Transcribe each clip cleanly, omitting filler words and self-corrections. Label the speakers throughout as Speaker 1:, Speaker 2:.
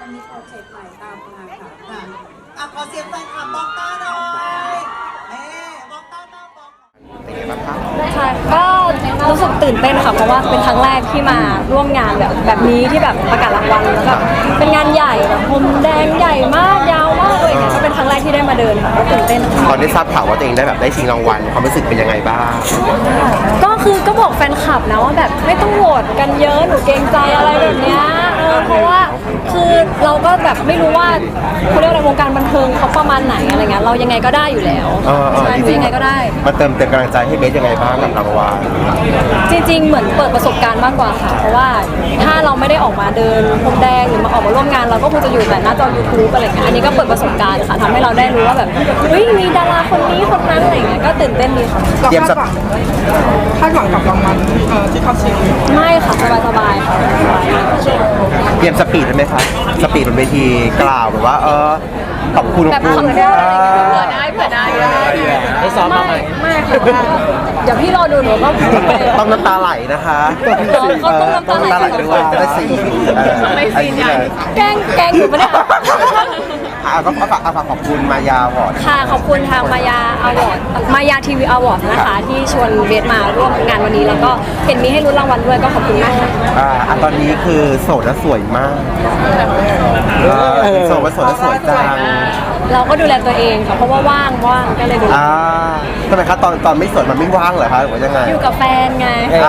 Speaker 1: จะมีโปรเจกต์ใหม่ตามมาค่ะ
Speaker 2: ขอเสียงแฟนคลับบอกต้าหน่อยบอกต้าบอกเป็นไงบ้างคะ
Speaker 3: ค่ะก็รู้สึกตื่นเต้นค่ะเพราะว่าเป็นครั้งแรกที่มาร่วมงานแบบนี้ที่แบบประกาศรางวัลแล้วแบบเป็นงานใหญ่แบบพรมแดงใหญ่มากยาวมากเลยก็เป็นครั้งแรกที่ได้มาเดินค่ะก็ตื่นเต้น
Speaker 2: ตอนได้ทราบข่าวว่าตัวเองได้ชิงรางวัลความรู้สึกเป็นยังไงบ้าง
Speaker 3: ก็บอกแฟนคลับนะว่าแบบไม่ต้องโหวตกันเยอะหนูเกรงใจอะไรแบบเนี้ยเพราะว่าคือเราก็แบบไม่รู้ว่าเขาเรียกอะไรวงการบันเทิงเขาประมาณไหนอะไรเงี้ยเรายังไงก็ได้อยู่แล้วใช่ยังไงก็ได้
Speaker 2: มาเติมเต็มกำลังใจให้เบสยังไงบ้างกับรางวัล
Speaker 3: จริงๆเหมือนเปิดประสบการณ์มากกว่าค่ะเพราะว่าถ้าเราไม่ได้ออกมาเดินพรมแดงหรือมาออกมาร่วมงานเราก็คงจะอยู่แต่หน้าจอ YouTube อะไรเงี้ยอันนี้ก็เปิดประสบการณ์ค่ะทำให้เราได้รู้ว่าแบบเฮ้ยมีดาราคนนี้คนนั้นอะไรเงี้ยก็ตื่นเต้นดีค่ะ
Speaker 2: เตรียมสัก
Speaker 4: คาดหวังกับรางวัลที่เขาชิง
Speaker 3: ไม่ค่ะสบายๆค่ะ
Speaker 2: เตรียมสปีดได้ไหมคะสปีดบนเวทีกล่าวแบบว่าขอบคุณ
Speaker 3: แบบ
Speaker 2: คุณ
Speaker 3: คำเดียวอะไรเงี้ยเผื่อได้ได้ซ้อมมาไหมไม่ค่ะเดี๋ยวพี่รอดูหนูก็
Speaker 2: ต้องน้ำตาไหลนะคะ
Speaker 3: เขาต้องน้ำตาไหล
Speaker 2: ด้วยจะได้สีไอ้นี่เลย
Speaker 3: แกล้งอยู่ปะเนี่ย
Speaker 2: ก็ฝากขอบคุณมายาวอร์ด
Speaker 3: ค่ะขอบคุณทางมายาอวอร์ดมายาทีวีอวอร์ดนะคะที่ชวนเบสมาร่วมงานวันนี้แล้วก็เห็นมีให้รุ้นรางวัลด้วยก็ขอบคุณมากค่ะ
Speaker 2: ตอนนี้คือโสดและสวยมากโสดและสวยจัง
Speaker 3: เราก็ดูแลตัวเองค่ะเพราะว่าว่างก็เลยดูแล
Speaker 2: ทำไมคะตอนไม่สวยมันไม่ว่างเหรอคะหรือว่ายังไง
Speaker 3: อยู่กับแฟนไง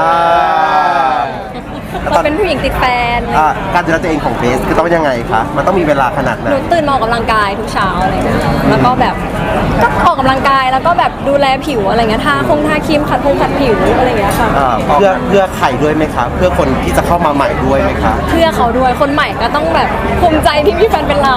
Speaker 3: เราเป็นผู้หญิงติดแฟน
Speaker 2: การดูแลตัวเองของเบสคือต้องยังไงคะมันต้องมีเวลาขนาดไหน
Speaker 3: หนูตื่นมาออกกำลังกายทุกเช้าอะไรเงี้ยแล้วก็แบบก็ออกกำลังกายแล้วก็แบบดูแลผิวอะไรเงี้ยทาครีมขัดผิวอะไรเงี้ยค่ะ
Speaker 2: เพื่อใครด้วยไหมคะเพื่อคนที่จะเข้ามาใหม่ด้วยไหมคะ
Speaker 3: เพื่อเขาด้วยคนใหม่ก็ต้องแบบภูมิใจที่มีแฟนเป็นเรา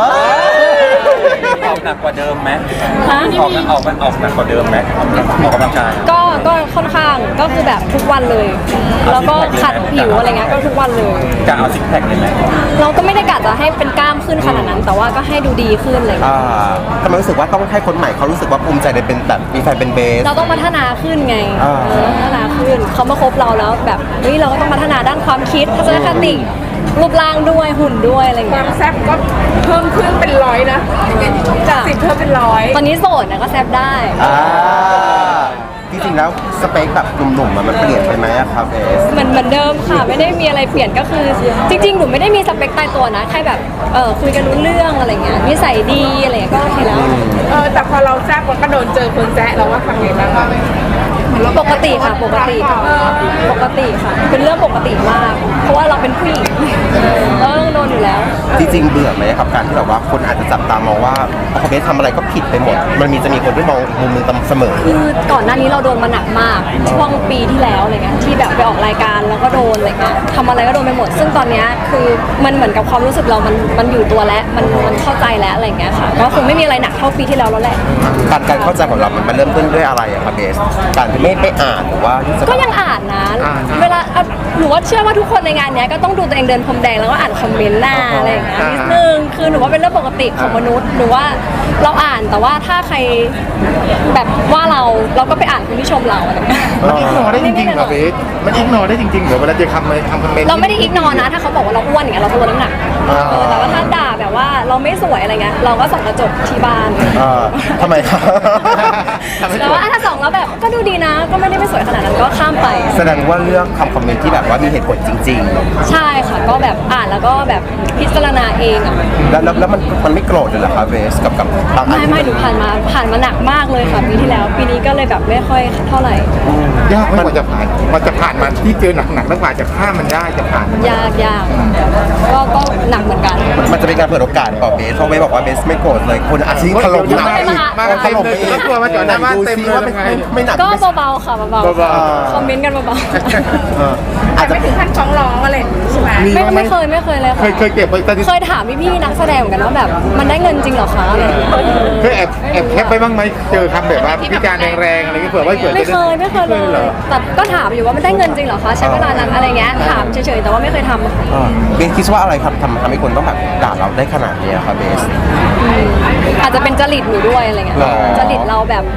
Speaker 5: ออกหนักกว่าเดิมไหม
Speaker 3: ฮะ
Speaker 5: ออกหนักกว่าเดิมไหมออกกำลังกาย
Speaker 3: ก็ค่อนข้างก็คือแบบทุกวันเลย แล้วก็ขัดผิวอะไรเงี้ยก็ทุกวันเลย
Speaker 5: กะเอาซิกแพคเลยไหม
Speaker 3: เราก็ไม่ได้กะจะให้เป็นกล้ามขึ้นขนาดนั้น แต่ว่าก็ให้ดูดีขึ้นเลย
Speaker 2: ทำไมรู้สึกว่าต้องให้คนใหม่เขารู้สึกว่าภูมิใจในเป็นแบบมีแฟนเป็นเบส
Speaker 3: เราต้องพัฒนาขึ้นไง พัฒนาขึ้นเขามาคบเราแล้วแบบเฮ้ยเราก็ต้องพัฒนาด้านความคิดทัศนคติรูปร่างด้วยหุ่นด้วยอะไร
Speaker 4: ควา
Speaker 3: เงี้
Speaker 4: ม
Speaker 3: ย
Speaker 4: แซ่บก็เพิ่มขึ้นเป็นร้อยนะจาก10เพิ่มเป็นร้อย
Speaker 3: ตอนนี้โสดนะก็แซบได้
Speaker 2: จริงๆแล้วสเปคแบบหนุ่มๆมันเปลี่ยนไปไหมอะครับเบส
Speaker 3: เหมือนเดิมค่ะไม่ได้มีอะไรเปลี่ยนก็คือ จริงๆหนูไม่ได้มีสเปคตายตัวนะแค่แบบคุยกันรู้เรื่องอะไรเงี้ยนิสัยดีอะไรเงี้ยก็โอเคแล้ว
Speaker 4: แต่พอเราแซ่บมันก็โดนเจอคนแซะเราว่าทำไงบ้าง
Speaker 3: ปกติค่ะปกติค่ะเป็นเรื่องปกติมาก เพราะว่าเราเป็นผู้หญิงเราต้องโดนอยู่แล้ว
Speaker 2: จริงๆเบื่อไหมครับการที่แบบว่าคนอาจจะจับตามองว่าพอเบสทำอะไรก็ผิดไปหมดจะมีคนที่มองมุมมึงเสมอ
Speaker 3: คือก่อนหน้านี้เราโดนมาหนักมากช่วงปีที่แล้วอะไรเงี้ยที่แบบไปออกรายการแล้วก็โดนอะไรเงี้ยทำอะไรก็โดนไปหมด ซึ่งตอนเนี้ยคือมันเหมือนกับความรู้สึกเรามันอยู่ตัวแล้วมันเข้าใจแล้วอะไรเงี้ยค่ะก็คงไม่มีอะไรหนักเท่าปีที่แล้วแล้วแหละ
Speaker 2: การเข้าใจของเรามันเริ่มต้นด้วยอะไรอะครับเบสการที่ไม่อ่านหรือว่าที่จะ
Speaker 3: ก็ยังอ่านนะเวลาหนูว่าเชื่อว่าทุกคนในงานเนี้ยก็ต้องดูตัวเองเดินพรมแดงแล้วก็อ่านคอมเมนต์หน้าอะไรอย่างเงี้ยนิดนึงคือหนูว่าเป็นเรื่องปกติของมนุษย์หนูว่าเราอ่านแต่ว่าถ้าใครแบบว่าเราก็ไปอ่านคนที่ชมเราอะไรเงี้ย
Speaker 6: มันอิกนอได้จริงๆเหรอเบสมันอิกนอได้จริงๆเหรอเวลาจะทำคอมเมนต์
Speaker 3: เราไม่ได้อิกนอนะถ้าเขาบอกว่าเราอ้วนอย่างเงี้ยเราตัวน้ำหนักแต่ว่าถ้าด่าแบบว่าเราไม่สวยอะไรเงี้ยเราก็ส่องกระจกที่บ้าน
Speaker 2: ทำไมครับ
Speaker 3: แต่ว่าถ้าส่องแล้วแบบก็ดูดีนะก็ไม่ได้ไม่สวยขนาดนั้นก็ข้ามไป
Speaker 2: แสดงว่าเลือกคอมเมนต์ที่แบบว่ามีเหตุผลจริง
Speaker 3: ใช่ค่ะก็แบบอ่านแล้วก็แบบพิจารณาเองอ่ะ
Speaker 2: ๆ แล้วมันไม่โกรธเลยเหรอครับเบสกับบางอัน
Speaker 3: ไม่หนูผ่านมาหนักมากเลยค่ะปีที่แล้วปีนี้ก็เลยแบบไม่ค่อยเท่าไหร่
Speaker 6: ยากไหมกว่าจะผ่านมันที่เจอหนักๆแล้วกว่าจะข้ามมันได้จะผ่านมัน
Speaker 3: ยากก็หนักเหมือนกัน
Speaker 2: มันจะเป็นการเปิดโอกาสต่อเบสเพราะเบสบอกว่าเบสไม่โกรธเลยคนอาจจะถล่มหนัก
Speaker 6: มาเต็มเลยแล้วกลัวมาจอดหน้าบ้านเต็มเลย
Speaker 2: ว่าไม่หนัก
Speaker 3: ก็เบาๆค่ะเบาๆคอมเมนต์กันเบา
Speaker 2: อาจจะ
Speaker 4: ไม่ถึงขั้นฟ้องร้องอะไรใช่ไหม
Speaker 3: ๆไม่เคยเลยค่ะ
Speaker 6: เคยเก็บไว้ตอนที่
Speaker 3: เคยถามพี่ๆนักแสดงเหมือนกันว่าแบบมันได้เงินจริงเหรอคะอะไรอย่างเงี้ย
Speaker 6: เคยแอบแคปไปบ้างไหมเจอคำแบบว่าพิการแรงๆอะไรเงี้ยเผื่อว่าเกิด
Speaker 3: ไม่เคยเลยแต่ก็ถามอยู่ว่ามันได้เงินจริงเหรอคะใช้เวลานั้นอะไรเงี้ยถามเฉยๆแต่ว่าไม่เคยทำ
Speaker 2: เบสคิดว่าอะไรครับทำให้คนต้องแบบด่าเราได้ขนาดนี้ครับเบส
Speaker 3: อาจจะเป็นจริตหนูด้วยอะไรเงี้ย
Speaker 2: หรอ
Speaker 3: จริตเราแบบ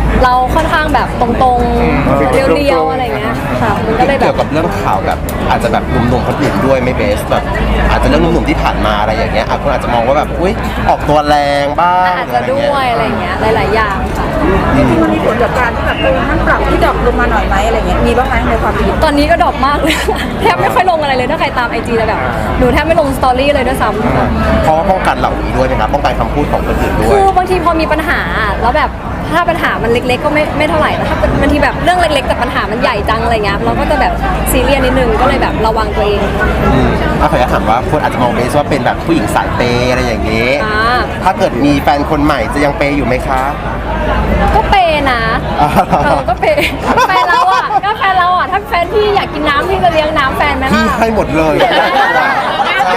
Speaker 3: เราค่อนข้างแบบตรงๆเรียวๆอะไรเงี้ยค่ะมันก็เลยแบ
Speaker 2: เกี่ย
Speaker 3: บ
Speaker 2: วกับเรื่องข่าวแบบอาจจะแบบหนุ่มๆคนอื่นด้วยไม่เบสแบบอาจจะเรื่องหนุ่มๆที่ผ่านมาอะไรอย่างเงี้ยคนอาจจะมองว่าแบบอุ้ยออกตัวแรงบ้าง
Speaker 3: อาจจะด้วยอะไรเงี้ยหลายๆอย่างค่ะ
Speaker 4: จริงๆมันมีผลกับการที่แบบมันปรับที่ดรอปลงมาหน่อยไหมอะไรเงี้ยมีบ้างไหมในความคิด
Speaker 3: ตอนนี้ก็ดรอปมากเลย แทบไม่ค่อยลงอะไรเลยถ้าใครตามไอจีจะแบบหนูแทบไม่ลงสตอรี่เลยด้วยซ้ำ
Speaker 2: เพราะว่าป้องกันเหล่านี้ด้วยนะครับป้องกันคำพูดของคนอื่นด้ว
Speaker 3: คื
Speaker 2: ย
Speaker 3: อบางทีพอมีปัญหาแล้วแบบถ้าปัญหามันเล็กๆก็ไม่เท่าไหร่แต่ถ้าบางทีแบบเรื่องเล็กๆแต่ปัญหามันใหญ่จังอะไรเงี้ยเราก็จะแบบซีเรียสนิดนึงก็เลยแบบระวังตัวเอง
Speaker 2: ถ้าขออนุญาตถามว่าคนอาจจะมองเบสว่าเป็นแบบผู้หญิงสายเปย์อะไรอย่างนี้
Speaker 3: อ่า
Speaker 2: ถ้าเกิดมีแฟนคนใหม่จะยังเปย์อยู่ไหมคะ
Speaker 3: ก็เปย์นะก็เปย์แฟนเราอ่ะก็แฟนเราอ่ะถ้าแฟนพี่อยากกินน้ำพี่จะเลี้ยงน้ำแฟนไหม
Speaker 2: พี่
Speaker 3: ล่ะ
Speaker 2: ให้หมดเลยใช่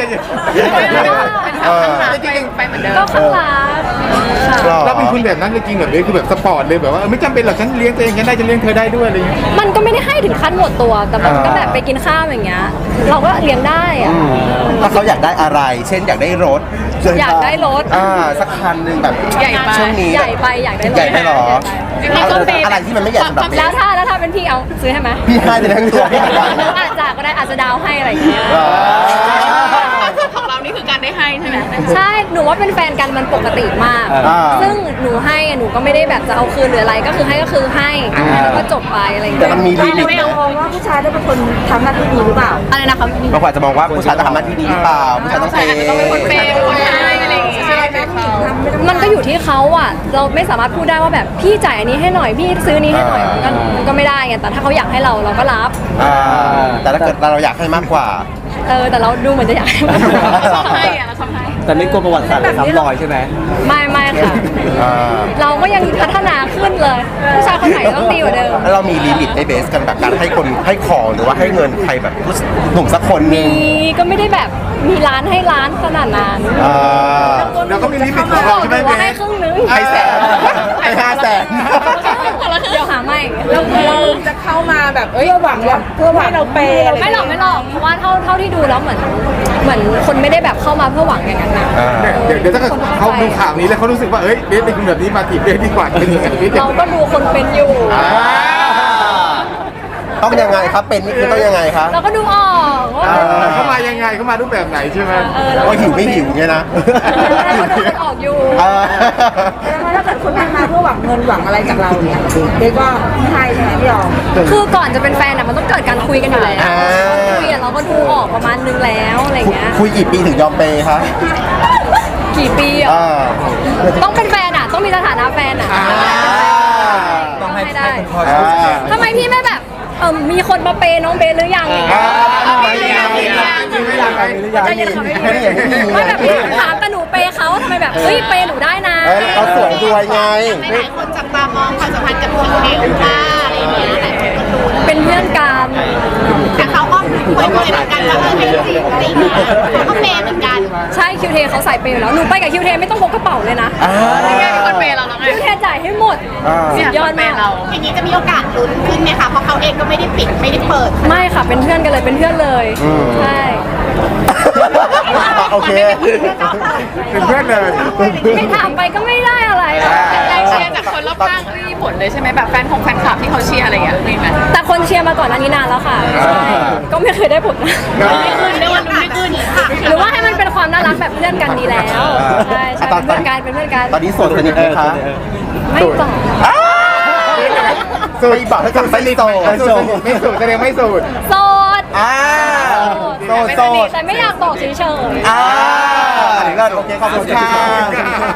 Speaker 4: ไปเหมือนเดิม
Speaker 3: ก็ข้างรักค่ะ
Speaker 6: เราเป็นคุณแบบนั้นจริงๆแบบนี้คือแบบสปอร์ตเลยแบบว่าไม่จำเป็นหรอกฉันเลี้ยงตัวเองฉันได้ฉันเลี้ยงเธอได้ด้วยอะไรอย่างเงี้ย
Speaker 3: มันก็ไม่ได้ให้ถึงขั้นหมดตัวแต่มันก็แบบไปกินข้าวอย่างเงี้ยเราก็เลี้ยงได้อ่ะ
Speaker 2: ถ้าเขาอยากได้อะไร เช่นอยากได้รถ
Speaker 3: อยากได้รถ
Speaker 2: สักคันหนึ่งแบบ
Speaker 3: ใหญ่ไป
Speaker 2: ช่วงนี้
Speaker 3: ใหญ่ไปอยากได้รถ
Speaker 2: ใหญ่ไปหรอ
Speaker 3: จริงๆก็เปย์
Speaker 2: อะไรที่มันไม่ใหญ่สำหรับเบ
Speaker 3: แล้ว
Speaker 2: ส
Speaker 3: ถ้าเป็นพี่เอาซื้อให้ไหม
Speaker 2: พี่ให้เลยทั้งตัวพี่ให้
Speaker 3: อาจจะก็ได้อาจจะดาวให้อะไรอย่างเงี้ย
Speaker 4: ของเรานี่คือการได้ให้ใช่ไหม
Speaker 3: ใช่หนูว่าเป็นแฟนกันมันปกติมาก ซึ่งหนูให้หนูก็ไม่ได้แบบจะเอาคืนหรืออะไรก็คือให้ก็คือให้แล้วก็จบไปอะไรอย่าง
Speaker 2: แต่
Speaker 3: เงี้ย
Speaker 2: มันมีลิมิต
Speaker 4: ไม่เอามองว่าผู้ชายต้องเป็นคนทำหน้าที่ดีหรือเปล่า
Speaker 3: อะไรนะคะ
Speaker 2: บางคนอาจจะมองว่าผู้ชายต้องทำหน้าที่ดีหรือเปล่าผู้ชายต้องเปย์
Speaker 4: คนให้อะไรอย่างเงี้ยใช่ไหมผู้หญิงทำไม่ต้อง
Speaker 3: มันก็อยู่ที่เขาอ่ะเราไม่สามารถพูดได้ว่าแบบพี่จ่ายอันนี้ให้หน่อยพี่ซื้อนี้ให้หน่อยมันก็ไม่ได้ไงแต่ถ้าเขาอยากให้เราก็รับ
Speaker 2: แต่ถ้าเกิดเราอยากให้มากกว่า
Speaker 3: แต่เราดูเหมือนจะอยากให้มัน
Speaker 4: ชอบให้อะเราชอบให้
Speaker 5: แต่ไม่กลัวประวัติศาสตร์ซ้ำรอยใช่ไหม
Speaker 3: ไม่ค่ะ เราก็ยังพัฒนาขึ้นเลยผู้ชายคนไหนต้องดีกว่าเดิม
Speaker 2: แล้วเรามีลิมิตในเบสกันแบบการให้คนให้ของหรือว่าให้เงินใครแบบหนุ่มสักคนหนึง
Speaker 3: มีก็ไม่ได้แบบมีร้านให้ร้านขนาดนั้น
Speaker 6: เราก็มีลิมิตของเราใช่ไหม
Speaker 3: หนู
Speaker 6: เบ
Speaker 3: ว่าให้
Speaker 6: ส
Speaker 3: ครึ่งนึง
Speaker 2: ให้แสนให้500,000
Speaker 3: เดี๋ยวหาไม่
Speaker 4: เราจะเข้ามาแบบเพื่อหวังให้เราเปย์อะไร
Speaker 3: ไม่หรอกเพราะว่าเท่าที่ดูแล้วเหมือนคนไม่ได้แบบเข้ามาเพื่อหวังอย่างนั้นนะ
Speaker 6: เดี๋ยวถ้าเกิดเขาดูข่าวนี้แล้วเขารู้สึกว่าเอ้ยเบสเป็นคนแบบนี้มาจีบเบสดีกว่าเป็นยังไงเบส
Speaker 3: เราก็ดูคนเป็นอยู่
Speaker 2: ต้องยังไงครับเป็นนี่คือต้องยังไงครับ
Speaker 3: เราก็ดูออกว่า
Speaker 6: เขามายังไงเขามารูปแบบไหนใช่ไหม
Speaker 2: ว่าหิวไม่หิวเนี่ยนะ
Speaker 3: เราดูคนออกอยู่
Speaker 4: ถ้าเกิดคนมาเพื่อหวังเงินหวังอะไรจากเราเนี่ยเด็กก็ไม่ให้ใช่ไหมพี่ยอม
Speaker 3: คือก่อนจะเป็นแฟนอะมันต้องเกิดการคุยกันอยู่แล้วคุยอะเราก็ดูออกประมาณนึงแล้วอะไรเงี้ย
Speaker 2: คุยกี่ปีถึงยอมเปย์คะ
Speaker 3: กี่ปีอะต้องเป็นแฟนอะต้องมีสถานะแฟนอะ
Speaker 5: ต้องให้
Speaker 3: ได้
Speaker 5: คุณพ่อช่วย
Speaker 3: ทำไมพี่ไม่แบบมีคนมาเปย์น้องเบสหรือยังอย่างเงี้ยใจเย็นค่ะไม่แบบพี่ถามแต่หนูเปย์เขาทำไมแบบเฮ้ยเปย์หนูได้นะ
Speaker 2: เราสวยด้วยไง
Speaker 7: หลายคนจับตามองความสัมพันธ์กับคิวเทคุณป้าอะไรอย่างเงี้ยหลายคนก็ดู
Speaker 3: เป็นเพื่อนกัน
Speaker 7: แต่เขาก็คุยเหมือนกันว่าเป็นจริงอะไรอย่างเงี้ยเขาก็เปย์เหมือนกัน
Speaker 3: ใช่คิวเทเขาใส่เปย์อยู่แล้วหนูไปกับคิวเทไม่ต้องพกกระเป๋าเลยนะ
Speaker 4: คนเปย์เราแล้วไง
Speaker 3: คิวเทจ่ายให้หมดสุดยอดมาก
Speaker 7: อย่างนี้จะมีโอกาสลุ้นขึ้นไหมคะเพราะเขาเองก็ไม่ได้ปิดไม่ได้เปิด
Speaker 3: ไม่ค่ะเป็นเพื่อนกันเลยเป็นเพื่อนเลยใช่
Speaker 2: โอเค
Speaker 6: เป็นเพื่อนเลย
Speaker 3: ไม่ถามไปก็ไม่ได้อะไร
Speaker 4: แรงเชียร์จากคนรอบข้างไม่มีผลเลยใช่ไหมแบบแฟนของแฟนคลับที่เขาเชียร์อะไรอย่างเงี้ยมีไหม
Speaker 3: แต่คนเชียร์มาก่อนอันนี้นานแล้วค่ะใช่ก็ไม่เคยได้ผลนะ
Speaker 7: ไม่ขึ้นเรียกว่าไม่ขึ้นค่ะ
Speaker 3: หรือว่าให้มันเป็นความน่ารักแบบเพื่อนกันดีแล้วใช่ใช่เป็นเพื่อนกันเป็นเพื่อนกัน
Speaker 2: ตอนนี้โสดสนิทไหมคะ
Speaker 3: ไม่ต่อ
Speaker 2: โสดบอกให้กับไม่โสด
Speaker 6: ไม่สูดไม่สูดแสดงไม่สูด
Speaker 3: โสด
Speaker 2: โสด
Speaker 3: แต่ไม่อยากบอกเฉยๆ
Speaker 2: อันนี้ก็โอเคขอบคุณค่ะ